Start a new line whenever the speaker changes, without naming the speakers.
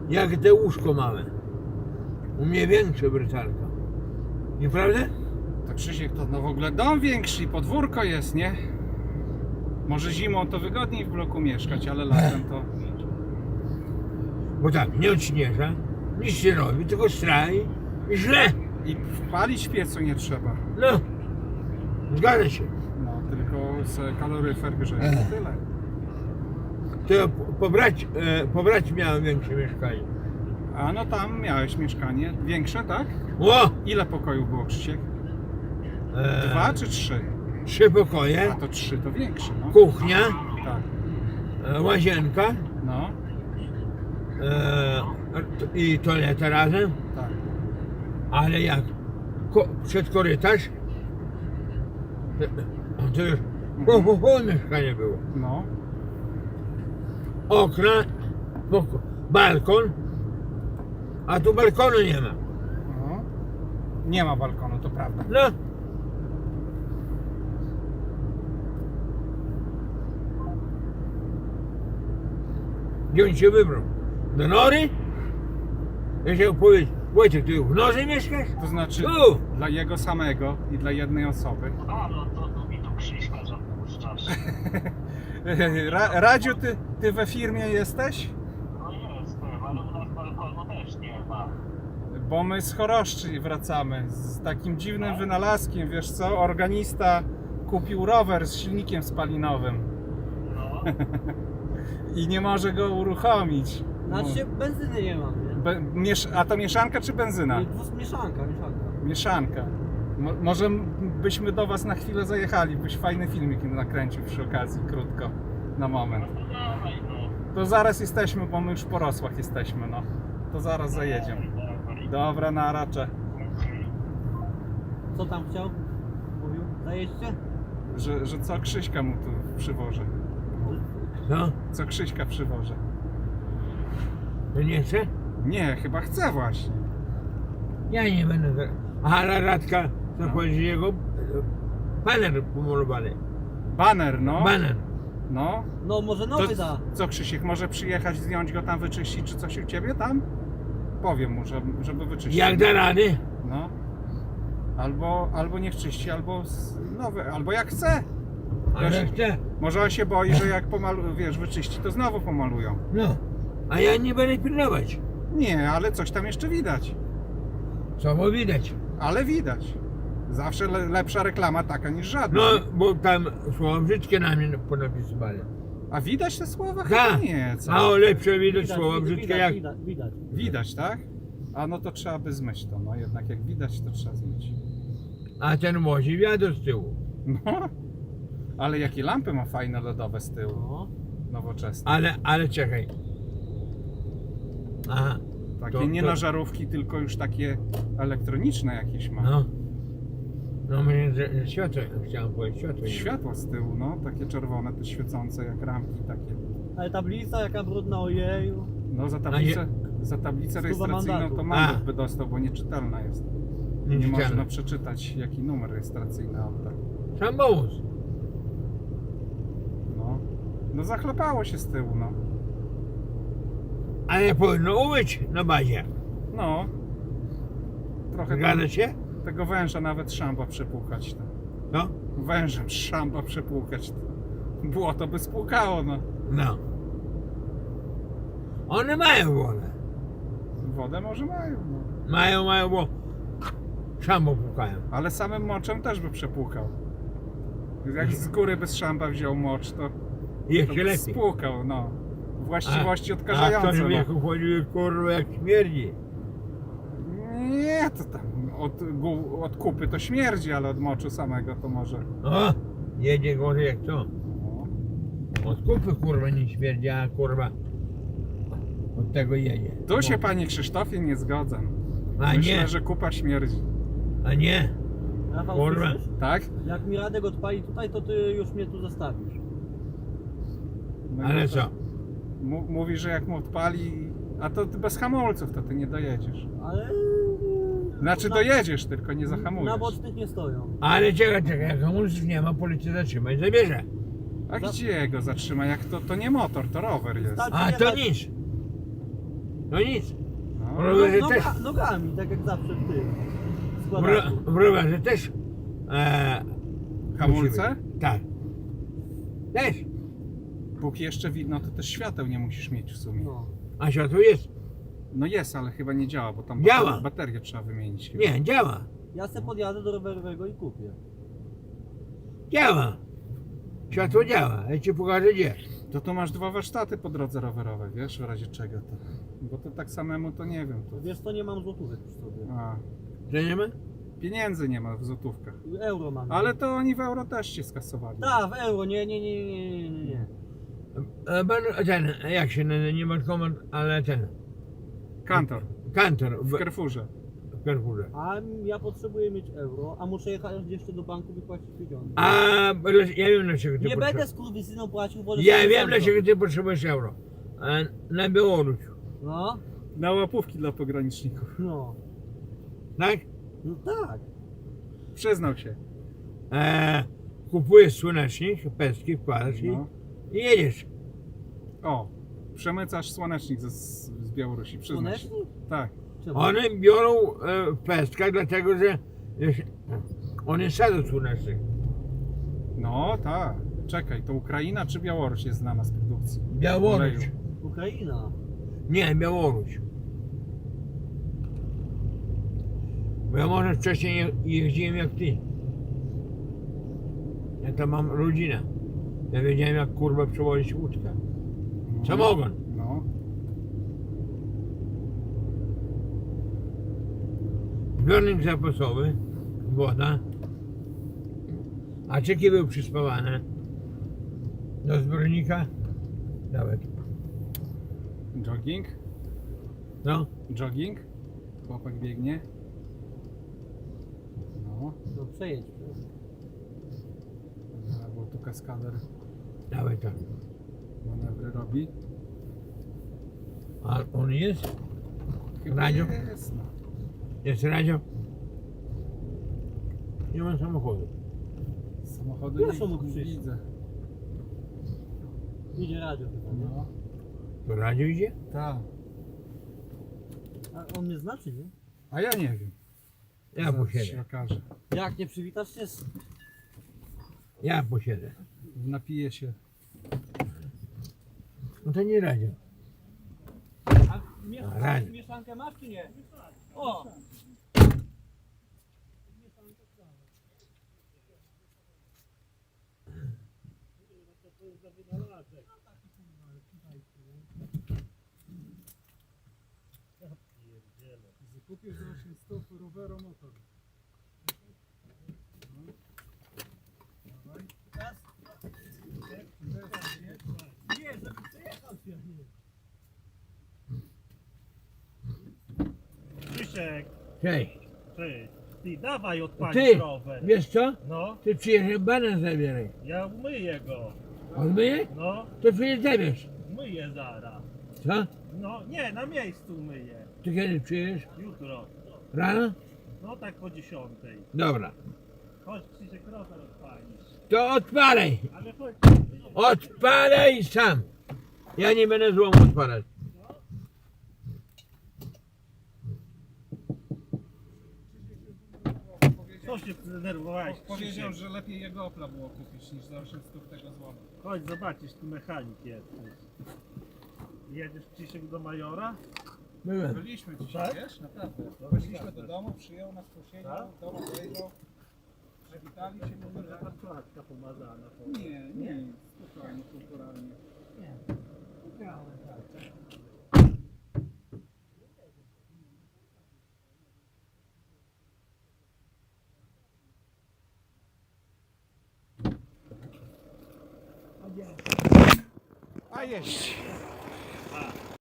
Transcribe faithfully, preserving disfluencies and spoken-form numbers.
jak te łóżko małe. U mnie większe brytalka. Nieprawda?
To Krzysiek, to no w ogóle dom większy i podwórko jest, nie? Może zimą to wygodniej w bloku mieszkać, ale latem to...
Bo tak, nie odśnieża, nic się robi, tylko straj i źle.
I wpalić w piecu nie trzeba.
No, zgadza się.
No, tylko se kaloryfer grzeje, to tyle.
To ja po- pobrać, e, pobrać miałem większe mieszkanie.
A no tam miałeś mieszkanie większe, tak?
O!
Ile pokojów było, Krzysiek?
E,
Dwa czy trzy?
Trzy pokoje,
A to trzy to większe, no.
kuchnia,
Tak,
e, łazienka
no,
e, i toaleta razem,
tak.
ale jak ko, przed korytarz, e, e, to już po, po, po mieszkanie było.
No,
Okna, poko- balkon, a tu balkonu nie ma.
no. Nie ma balkonu, to prawda.
No. Gdzie on się wybrał? Do Nory? Ja chciał powiedzieć, Wojciech, ty w Norze mieszkasz?
To znaczy
Tu!
dla jego samego i dla jednej osoby.
A, no to, to mi tu Krzyśka zapuszczasz.
Ra, Radziu, ty, ty we firmie jesteś?
No jestem, ale u nas balkonu też nie ma.
Bo my z Choroszczy wracamy z takim dziwnym wynalazkiem, wiesz co? Organista kupił rower z silnikiem spalinowym
No,
i nie może go uruchomić.
Znaczy się benzyny nie mam, nie?
Be, miesz, a to mieszanka czy benzyna?
Nie, dwus- Mieszanka, mieszanka.
Mieszanka. Mo, może byśmy do was na chwilę zajechali, byś fajny filmik nakręcił przy okazji, krótko, na moment.
no dawaj no.
To zaraz jesteśmy, bo my już po Rosłach jesteśmy, no. To zaraz zajedziemy. Dobra, na racze.
Co tam chciał? Mówił? Zajeźdźcie?
Że, że co Krzyśka mu tu przywożę.
No,
Co Krzyśka przywożę.
to nie chce?
Nie, chyba chce właśnie.
Ja nie będę teraz. Aha, na Radka, co
No.
chodzi jego e, paner pomalowany.
Baner, no.
Baner.
No.
No może
To
nowy da.
co Krzysiek, może przyjechać, zdjąć go tam, wyczyścić, czy coś u ciebie tam? Powiem mu, żeby, żeby wyczyścić.
Jak da rady?
No. Albo, albo niech czyści, albo z- nowy, albo jak chce.
Ale
Wiesz,
chce.
Może on się boi, że jak pomalu, wiesz, wyczyści, to znowu pomalują.
No. A ja nie będę pilnować.
Nie, ale coś tam jeszcze widać.
Co bo widać.
Ale widać. Zawsze le, lepsza reklama taka niż żadna.
No, bo tam słowa brzydkie na mnie ponapisywali.
A widać te słowa? Chyba
Tak.
nie, co?
A o lepsze widać
Widać,
słowa
widać,
brzydkie
widać,
jak...
widać, widać.
Widać, tak? A no to trzeba by zmyć to, no jednak jak widać, to trzeba zmyć.
A ten wozi wiatr z tyłu.
No, ale jakie lampy ma fajne lodowe z tyłu,
No.
nowoczesne.
Ale, ale czekaj. Aha.
Takie
to-
nie
to-
na żarówki, tylko już takie elektroniczne jakieś ma.
No. No mnie że- że światło, chciałem powiedzieć światło. nie ma.
Światła z tyłu, no, takie czerwone, te świecące jak ramki takie.
Ale tablica jaka brudna, ojeju.
No za tablicę, za tablicę
Stuwa
rejestracyjną
mandatu.
to mandat
A.
by dostał, bo nieczytelna jest.
Nie
Nie
czytałem.
można przeczytać jaki numer rejestracyjny auta.
Samochód.
No. No zachlapało się z tyłu, no.
Ale powinno umyć na bazie.
No. Trochę
Zgadza
tam,
się?
tego węża nawet szamba przepłukać. To.
No.
Wężem szamba przepłukać. To. Błoto by spłukało, no.
No. One mają wodę.
Wodę może mają, no.
Mają, mają, bo szambo pukają.
Ale samym moczem też by przepłukał. Jak z góry by z szamba wziął mocz, to, to
Jeszcze
by
lepiej.
spłukał, no. Właściwości
A
odkażające.
ktoś
no.
wieku chodzi, kurwa, jak śmierdzi.
Nie, to tam od, gu- od kupy to śmierdzi, ale od moczu samego to może.
O, jedzie gorzej jak co.
No.
Od kupy, kurwa, nie śmierdzi, a kurwa od tego jedzie.
Tu się,
No.
panie Krzysztofie, nie zgadzam.
A
Myślę,
nie,
że kupa śmierdzi.
a nie.
Rafał,
Kurwa.
słyszysz?
Tak?
Jak mi Radek odpali tutaj, to ty już mnie tu zostawisz.
No
Ale
i
co?
M- mówi, że jak mu odpali, a to ty bez hamulców, to ty nie dojedziesz.
Ale...
Znaczy
na,
dojedziesz, tylko nie zahamujesz.
Na bocznych nie stoją.
Ale czekaj, czekaj, jak hamulców nie ma, policja zatrzyma i zabierze.
A gdzie go zatrzyma? Jak to, to nie motor, to rower jest.
Tak.
A to nic. No nic.
No.
W rowerze też.
Noga, nogami, tak jak zawsze w tym.
W,
Składaku.
ro, w rowerze też. E,
Hamulce?
musimy. Tak. Też.
Póki jeszcze widno, to też świateł nie musisz mieć w sumie.
No.
A światło jest?
No jest, ale chyba nie działa, bo tam
Działa.
bater- baterię trzeba wymienić. chyba.
Nie, działa.
Ja se podjadę do rowerowego i kupię.
Działa. Światło działa. Ja ci pokażę gdzie.
To tu masz dwa warsztaty po drodze rowerowej, wiesz, w razie czego to. Bo to tak samemu to nie wiem. To...
Wiesz co, nie mam złotówek przy sobie.
A,
Że nie ma?
pieniędzy nie ma w złotówkach.
Euro mam.
Ale to oni w euro też cię skasowali.
Tak, w euro, nie, nie, nie, nie, nie, nie, nie.
E, Pan, ten, jak się nazywa, nie bankomat, ale ten.
Kantor
Kantor
w
w,
Carrefourze.
w Carrefourze.
A ja potrzebuję mieć euro, a muszę jechać jeszcze do banku wypłacić pieniądze.
A dla- ja wiem dlaczego ty
Nie będę
potrzebujesz.
z kurwisyną płacił, wolę
Ja
sobie
wiem
sam
dlaczego
zrobić.
ty potrzebujesz euro. E, Na Białoruś.
No,
Na łapówki dla pograniczników.
no,
Tak?
no tak.
Przyznał się.
E, kupujesz słonecznik, pestki, wkładasz i,
No.
i jedziesz.
O, przemycasz słonecznik z, z Białorusi, przyznał się.
Słonecznik?
Tak.
Czemu?
One biorą e, w pestkach, dlatego że wiesz, one sadzą słonecznik.
No tak. Czekaj, to Ukraina czy Białoruś jest znana z produkcji?
Białoruś.
Oleju.
Ukraina.
Nie, Białoruś. Bo ja może wcześniej je- jeździłem jak ty. Ja tam mam rodzinę. Ja wiedziałem jak kurwa przewozić łódkę. Samogon.
No.
Zbiornik zapasowy, woda. A czeki były przyspawane do zbiornika. Dawaj.
Jogging.
No.
Jogging. Chłopak biegnie. No.
No przejedź.
Dobra, bo tu kaskader
Dawaj tam.
manewry robi.
A on jest?
Chyba
Radio?
jest, no.
Jest radio? Nie ma samochodu.
Samochody
Pierwszą
nie,
mógł
nie
przyjść.
widzę.
Idzie radio chyba, nie?
No.
To radio idzie?
Tak.
A on mnie znaczy, nie?
A ja nie wiem.
Ja
Zaraz się
posiedzę.
okaże.
Jak nie przywitasz się z...
Ja posiedzę.
Napije się.
No to nie radio.
A miesz-
Radio.
mieszankę masz czy nie? O!
Kupię za osiem stóp roweru motor.
Nie, żeby przejechał się, nie.
Krzysiek,
Cześć.
ty, ty dawaj odpalić
Ty,
rower.
wiesz co?
No,
Ty przyjeżdżaj banan zabieraj.
ja umyję go.
Odmyję?
No,
To przyjeżdż zabierz.
myję zaraz.
Co?
No, nie, na miejscu myję.
Ty kiedy przyjedziesz?
Jutro.
Rano?
No tak po dziesiątej.
Dobra.
Chodź Krzysiek, rower odpalisz.
To odpalaj.
Ale chodź.
Odpalaj sam. Ja nie będę złomu odpalać.
Co się zdenerwowałeś,
Powiedział,
Krzysiek?
że lepiej jego Opla było kupić niż za osiem stóp tego złomu.
Chodź zobaczysz, tu mechanik jesteś. Jedziesz Krzysiek do Majora?
Byłem.
Byliśmy dzisiaj,
Tak?
wiesz? Naprawdę.
No,
Weszliśmy
naprawdę.
do domu, przyjął nas, posiedział,
Tak?
do domu wejrzał. Przywitali się,
Może
mówię,
taka klatka pomazana.
Nie, nie, spokojnie, kulturalnie. A jeść.